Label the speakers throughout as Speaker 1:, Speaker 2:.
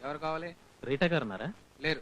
Speaker 1: ఎవరు కావాలి?
Speaker 2: రీటా గారు ఉన్నారా?
Speaker 1: లేరు.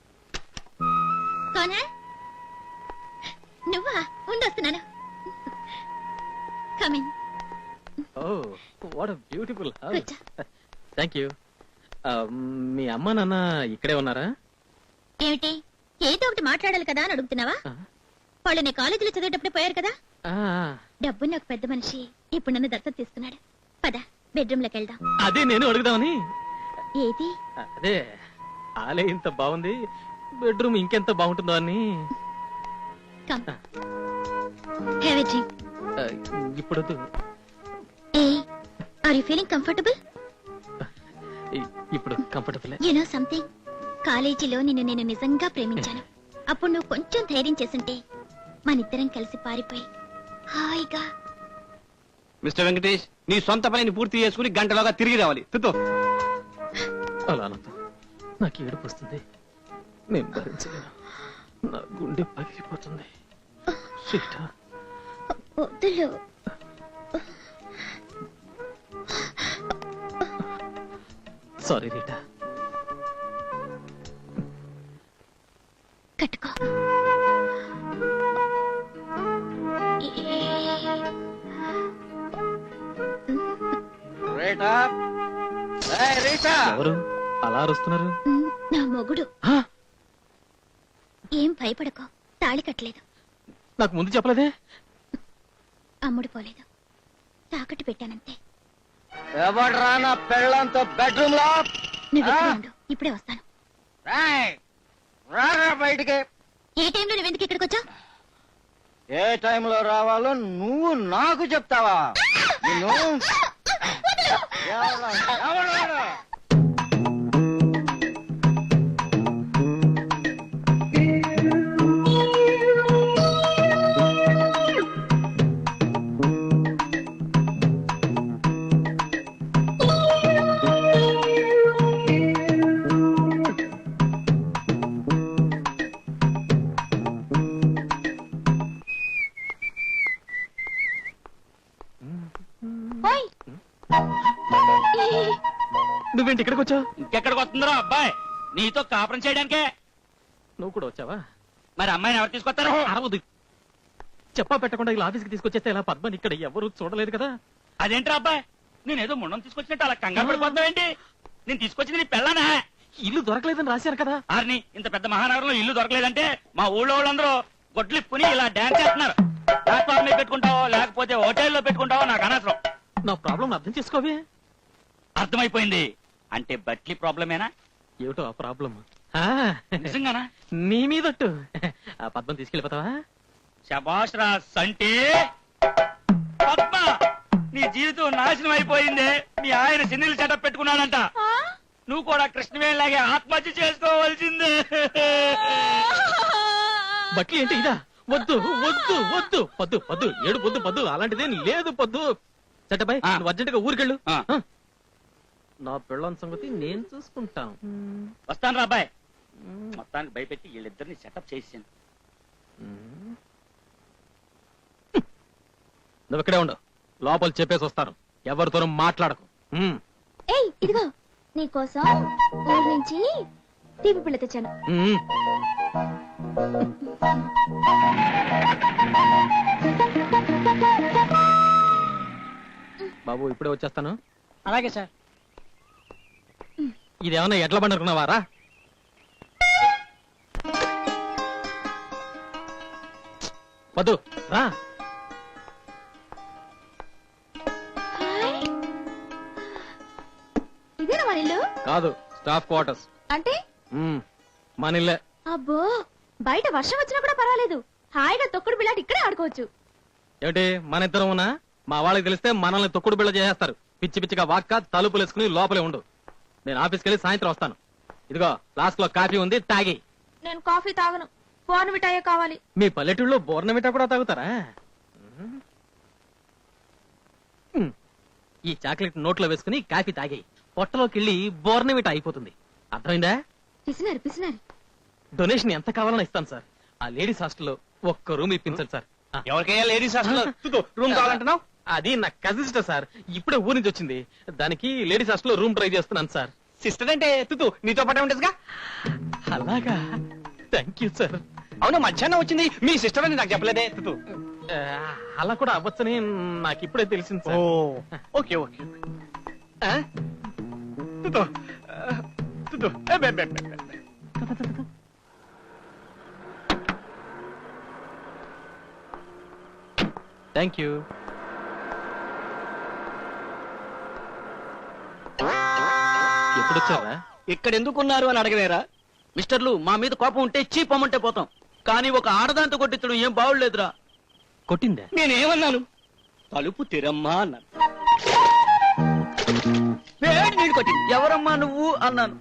Speaker 3: నువ్వా? ఉండొస్తున్నాను. Coming.
Speaker 2: Oh what a beautiful house. Thank you. మీ అమ్మ నాన్న ఇక్కడే ఉన్నారా?
Speaker 3: ఏమిటి, ఏదో ఒకటి మాట్లాడాలి కదా అని అడుగుతున్నావా? వాళ్ళు నేను కాలేజీలో చదివేటప్పుడే పోయారు కదా. డబ్బున్న ఒక పెద్ద మనిషి ఇప్పుడు నన్ను దత్తత తీసుకున్నాడు. పద బెడ్రూమ్ లోకి వెళ్దాం.
Speaker 2: అదే నేను అడుగుదామని.
Speaker 3: ఏది?
Speaker 2: అదే ఆలే ఇంత బాగుంది, బెడ్రూమ్ ఇంకెంత బాగుంటుందో అని.
Speaker 3: Come have a drink.
Speaker 2: ఇప్పుడు
Speaker 3: ఆర్ యు ఫీలింగ్ కంఫర్టబుల్?
Speaker 2: ఇప్పుడు కంఫర్టబుల్.
Speaker 3: యు నో సంథింగ్, కాలేజీలో నిన్ను నేను నిజంగా ప్రేమించాను. అప్పుడు నువ్వు కొంచెం ధైర్యం చేస్తుంటే మనిద్దరం కలిసి పారిపోయి హాయిగా.
Speaker 1: మిస్టర్ వెంకటేష్, నీ సొంత పనిని పూర్తి చేసుకుని గంటలోగా తిరిగి రావాలి.
Speaker 2: అలా అనొద్దు, నాకు ఏడుపు వస్తుంది. నేను భరించలేను, నా గుండె పగిలిపోతుంది.
Speaker 3: వద్దులు.
Speaker 2: Sorry Rita.
Speaker 3: కట్టుకో.
Speaker 2: ఎవరు అలా అరుస్తున్నారు?
Speaker 3: నా మొగుడు. ఏం భయపడకో, తాళి కట్టలేదు.
Speaker 2: నాకు ముందు చెప్పలేదే.
Speaker 3: అమ్ముడు పోలేదు, తాకట్టు పెట్టానంతే.
Speaker 1: ఎవడ్రా నా పెళ్ళంతో బెడ్రూమ్ లో?
Speaker 3: నువ్వు ఉండు, ఇప్పుడే వస్తాను.
Speaker 1: బయటికి.
Speaker 3: ఏ టైంలో నువ్వెందుకు ఇక్కడికి వచ్చావు?
Speaker 1: ఏ టైంలో రావాలో నువ్వు నాకు చెప్తావా?
Speaker 2: నువ్వేంటి ఇక్కడికి వచ్చావు?
Speaker 4: ఇంకెక్కడికి వస్తుందో అబ్బాయి, నీతో కాపురం చేయడానికే.
Speaker 2: నువ్వు కూడా వచ్చావా?
Speaker 4: మరి అమ్మాయిని ఎవరు తీసుకొస్తారు?
Speaker 2: అరవదు. చెప్పా పెట్టకుండా ఇలా ఆఫీస్కి తీసుకొచ్చేస్తే ఇలా పద్మని ఇక్కడ ఎవరు చూడలేదు కదా.
Speaker 4: అదేంట్రా అబ్బాయి, నేనేదో ముండం తీసుకొచ్చినట్టు అలా కంగారు పడిపోతావేంటి? నేను తీసుకొచ్చింది నీ పెళ్ళానా?
Speaker 2: ఇల్లు దొరకలేదని రాశారు కదా.
Speaker 4: ఆర్ని, ఇంత పెద్ద మహానగరంలో ఇల్లు దొరకలేదంటే మా ఊళ్ళో వాళ్ళందరూ గొడ్లిప్పుని ఇలా డాన్స్ చేస్తున్నారు. ప్లాట్ఫామ్ మీద పెట్టుకుంటావో లేకపోతే హోటల్లో పెట్టుకుంటావో నాకు అనవసరం.
Speaker 2: నా ప్రాబ్లం అర్థం చేసుకోవే.
Speaker 4: అర్థమైపోయింది. అంటే బట్లీ ప్రాబ్లమేనా?
Speaker 2: ఏమిటో ఆ ప్రాబ్లం.
Speaker 4: నిజంగానా?
Speaker 2: నీ మీదట్టు. ఆ పద్మం తీసుకెళ్ళిపోతావా?
Speaker 4: శభాష్ రా సంటే. పద్మ, నీ జీవితం నాశనం అయిపోయింది. మీ ఆయన సిన్నీలు సెటప్ పెట్టుకున్నాడంట. నువ్వు కూడా కృష్ణవేణిలాగే ఆత్మహత్య చేసుకోవాల్సిందే.
Speaker 2: బట్లీ ఏంటి ఇదా? వద్దు వద్దు వద్దు, పద్దు పద్దు, ఏడు పొద్దు పద్దు, అలాంటిదేం లేదు పద్దు. చట్టబాయ్, నువ్వు అర్జెంటుగా ఊరికెళ్ళు. నా పెళ్ళాం సంగతి నేను చూసుకుంటాను.
Speaker 4: వస్తాను రా అబ్బాయి. మొత్తానికి భయపెట్టి వీళ్ళిద్దరిని సెటప్ చేసాను.
Speaker 2: నువ్వు ఇక్కడే ఉండవు, లోపల చెప్పేసి వస్తాను. ఎవరితోనూ మాట్లాడకు.
Speaker 3: ఏయ్, ఇదిగో నీకోసం ఊరి నుంచి తీపి పిల్ల తెచ్చాను.
Speaker 2: బాబు ఇప్పుడే వచ్చేస్తాను.
Speaker 5: అలాగే సార్.
Speaker 2: ఇదేమన్నా ఎట్లా పండుకున్నావారా? వద్దు రా.
Speaker 3: ఇదేనా మన ఇల్లు?
Speaker 2: కాదు, స్టాఫ్ క్వార్టర్స్.
Speaker 3: అంటే
Speaker 2: మన ఇల్లే.
Speaker 3: అబ్బో, బయట వర్షం వచ్చినా కూడా పర్వాలేదు, హాయిగా తొక్కుడు బిళ్ళాటి ఇక్కడే ఆడుకోవచ్చు.
Speaker 2: ఏమిటి మన ఇద్దరం ఉన్నా మా వాళ్ళకి తెలిస్తే మనల్ని తొక్కుడు బిళ్ళ చేసేస్తారు. పిచ్చి పిచ్చిగా వాక్క తలుపులు వేసుకుని లోపలే ఉండు. నేను ఆఫీస్కి వెళ్ళి సాయంత్రం వస్తాను. ఇదిగో ఫ్లాస్క్ లో కాఫీ ఉంది, తాగి.
Speaker 3: నేను కాఫీ తాగను, బోర్నవిటాయే కావాలి.
Speaker 2: మీ పల్లెటూళ్ళలో బోర్నవిటా కూడా తాగుతారా? ఈ చాక్లెట్ నోట్లో వేసుకుని కాఫీ తాగి పొట్టలోకి వెళ్ళి బోర్నవిటా అయిపోతుంది. అర్థమైందా?
Speaker 3: పిసినారు పిసినారు.
Speaker 2: డొనేషన్ ఎంత కావాలని ఇస్తాను సార్. ఆ లేడీస్ హాస్టల్లో ఒక్క రూమ్ ఇప్పించండి సార్.
Speaker 4: ఎవరికైనా లేడీస్ హాస్టల్ రూమ్ కావాలంటున్నావు?
Speaker 2: అది నా కజిన్ సిస్టర్ సార్, ఇప్పుడే ఊరి నుంచి వచ్చింది. దానికి లేడీస్ హాస్టల్లో రూమ్ ట్రై చేస్తున్నాను సార్.
Speaker 1: సిస్టర్ అంటే తుతు నీతో పాటే ఉంటుందిగా.
Speaker 2: అలాగా, థ్యాంక్ యూ సార్.
Speaker 1: అవును, మధ్యాహ్నం వచ్చింది మీ సిస్టర్ అని నాకు చెప్పలేదే తుతు.
Speaker 2: అలా కూడా అవ్వచ్చని నాకు ఇప్పుడే తెలిసింది సార్.
Speaker 1: Okay okay. తుతు తుతు
Speaker 2: థ్యాంక్ యూ. ఎప్పుడు వచ్చారా?
Speaker 1: ఇక్కడ ఎందుకున్నారు అని అడగలేరా? మిస్టర్లు, మా మీద కోపం ఉంటే చీపమ్మంటే పోతాం, కానీ ఒక ఆడదాంతో కొట్టించడం ఏం బాగులేదురా.
Speaker 2: కొట్టిందా?
Speaker 1: నేనేమన్నాను? తలుపు తెరమ్మా అన్నాను. వేడి నీళ్ళు కొట్టింది. ఎవరమ్మా నువ్వు అన్నాను.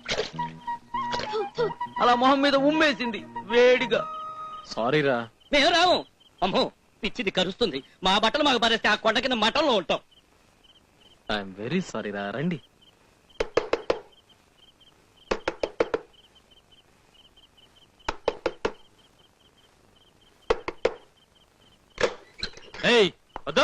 Speaker 1: అలా మొహం మీద ఉమ్మేసింది వేడిగా.
Speaker 2: సారీరా.
Speaker 1: మేము రాము. అమ్మో, పిచ్చిది కరుస్తుంది. మా బట్టలు మాకు పారేస్తే ఆ కొండ కింద మఠంలో ఉంటాం.
Speaker 2: ఐఎమ్ వెరీ సారీరా. రండి. ఏయ్, వద్దు.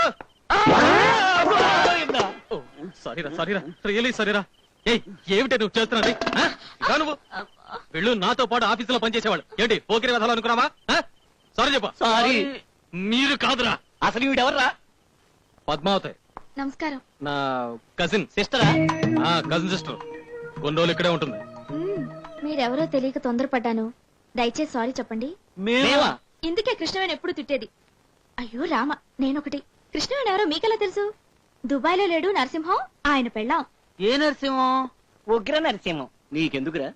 Speaker 2: సారీరా, సారీరా, రియలీ సారీరా. ఏయ్, ఏమిటి నువ్వు చేస్తున్నది? నువ్వు వెళ్ళు, నాతో పాటు ఆఫీసులో పనిచేసేవాళ్ళు ఏంటి పోకిరి వెధాలు అనుకున్నావా? సారీ చెప్ప.
Speaker 1: సారీ.
Speaker 2: మీరు కాదురా.
Speaker 1: అసలు వీడెవర్రా?
Speaker 2: పద్మావతి,
Speaker 3: నమస్కారం.
Speaker 2: నా కజిన్.
Speaker 1: సిస్టరా?
Speaker 2: Cousin sister. కొన్ని రోజులు ఇక్కడే ఉంటుంది.
Speaker 3: మీరెవరో తెలియక తొందరపడ్డాను. దయచేసి సారీ చెప్పండి.
Speaker 1: మేమా?
Speaker 3: ఇందుకే కృష్ణవేణి ఎప్పుడు తిట్టేది. అయ్యో రామ, నేనొకటి. కృష్ణవేణి ఎవరో మీకెలా తెలుసు? దుబాయ్ లో లేడు నరసింహం, ఆయన పెళ్ళాం.
Speaker 1: ఏ నరసింహం? ఉగ్ర నరసింహం. నీకెందుకురా?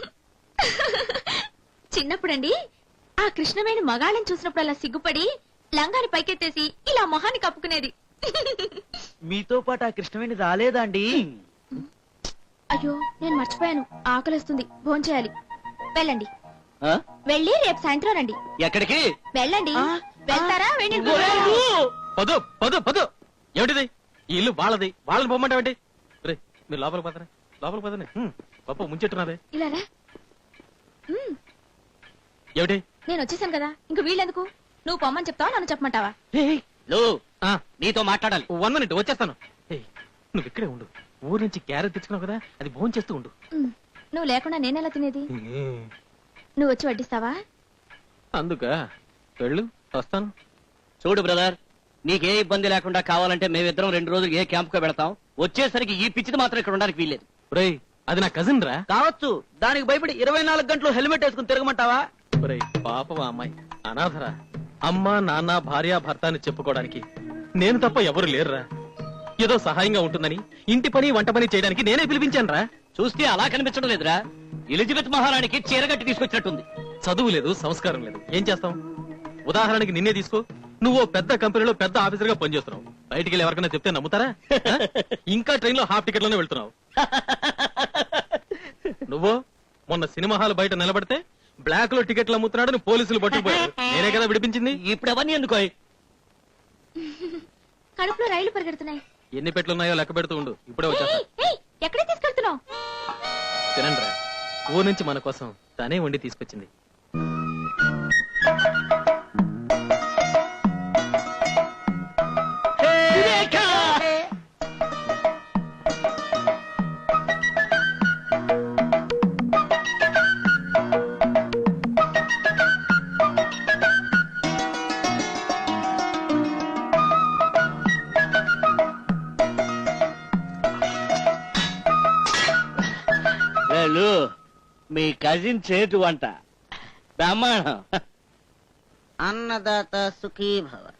Speaker 3: చిన్నప్పుడండి ఆ కృష్ణవేణి మగాళ్ళని చూసినప్పుడు అలా సిగ్గుపడి లంగాని పైకెత్తేసి ఇలా మొహాన్ని కప్పుకునేది.
Speaker 1: మీతో పాటు ఆ కృష్ణవేణి రాలేదా అండి?
Speaker 3: అయ్యో, నేను మర్చిపోయాను. ఆకలిస్తుంది, భోంచేయాలి. వెళ్ళండి. వెళ్ళి రేపు సాయంత్రం రండి.
Speaker 1: ఎక్కడికి?
Speaker 3: వెళ్ళండి. వెళ్తారా? వెళ్ళి.
Speaker 2: పదు పదు పదు. ఏమిటిది? ఈ ఇల్లు వాళ్ళది, వాళ్ళని పొమ్మంటావేంటి? రే, మీరు లోపలికి పోతారా? లోపలికి పోతానే. పప్పు ముంచెట్టున్నదే.
Speaker 3: ఇలా రా.
Speaker 2: ఏమిటి?
Speaker 3: నేను వచ్చేసాను కదా, ఇంక వీళ్ళెందుకు? నువ్వు పొమ్మని చెప్తావా, నన్ను చెప్పమంటావా?
Speaker 1: నీతో మాట్లాడాలి.
Speaker 2: 1 minute వచ్చేస్తాను. ఏయ్, నువ్వు ఇక్కడే ఉండు. ఊరు నుంచి క్యారెట్ తెచ్చుకున్నావు కదా, అది భోజనం చేస్తూ ఉండు.
Speaker 3: నువ్వు లేకుండా నేనెలా తినేది? నువ్వు వచ్చి వడ్డిస్తావా?
Speaker 2: అందుక వెళ్ళు, వస్తాను.
Speaker 1: చూడు బ్రదర్, నీకే ఇబ్బంది లేకుండా కావాలంటే మేమిద్దరం 2 రోజులు ఏ క్యాంప్ కో పెడతాం. వచ్చేసరికి ఈ పిచ్చిది మాత్రం ఇక్కడ ఉండడానికి వీల్లేదు.
Speaker 2: రేయ్, అది నా కజిన్ రా.
Speaker 1: కావచ్చు, దానికి భయపడి 24 గంటలు హెల్మెట్ వేసుకుని తిరగమంటావా?
Speaker 2: రేయ్, పాపం ఆ అమ్మాయి అనాథరా. అమ్మ నాన్న భార్య భర్త అని చెప్పుకోవడానికి నేను తప్ప ఎవరు లేరురా. ఏదో సహాయంగా ఉంటుందని ఇంటి పని వంట పని చేయడానికి నేనే పిలిపించాను రా.
Speaker 1: చూస్తే అలా కనిపించడం లేదురా. ఎలిజబెత్ మహారాణికి చీరగట్టి తీసుకొచ్చినట్టుంది.
Speaker 2: చదువు లేదు, సంస్కారం లేదు, ఏం చేస్తాం? ఉదాహరణకి నిన్నే తీసుకో. నువ్వు పెద్ద కంపెనీలో పెద్ద ఆఫీసర్ గా పనిచేస్తున్నావు. బయటికి వెళ్ళి ఎవరికైనా చెప్తే నమ్ముతారా? ఇంకా ట్రైన్ లో హాఫ్ టికెట్ లోనే వెళ్తున్నావు. నువ్వు మొన్న సినిమా హాల్ బయట నిలబడితే బ్లాక్ లో టికెట్లు అమ్ముతున్నాడని పోలీసులు పట్టుకుపోయారు. నేనే కదా విడిపించింది.
Speaker 1: ఇప్పుడు అవన్నీ ఎందుకో?
Speaker 3: కడుపులో రైలు పరిగెడుతున్నాయి.
Speaker 2: ఎన్ని పెట్లున్నాయో లెక్క పెడుతూ ఉండు, ఇప్పుడే వచ్చేస్తా.
Speaker 3: ఎక్కడే తీసుకెళ్తున్నావు?
Speaker 2: తినండ్రా, ఊరు నుంచి మన కోసం తనే వండి తీసుకొచ్చింది.
Speaker 1: మీ కజిన్ చేటు వంట బ్రహ్మాండం.
Speaker 5: అన్నదాత సుఖీ భవ.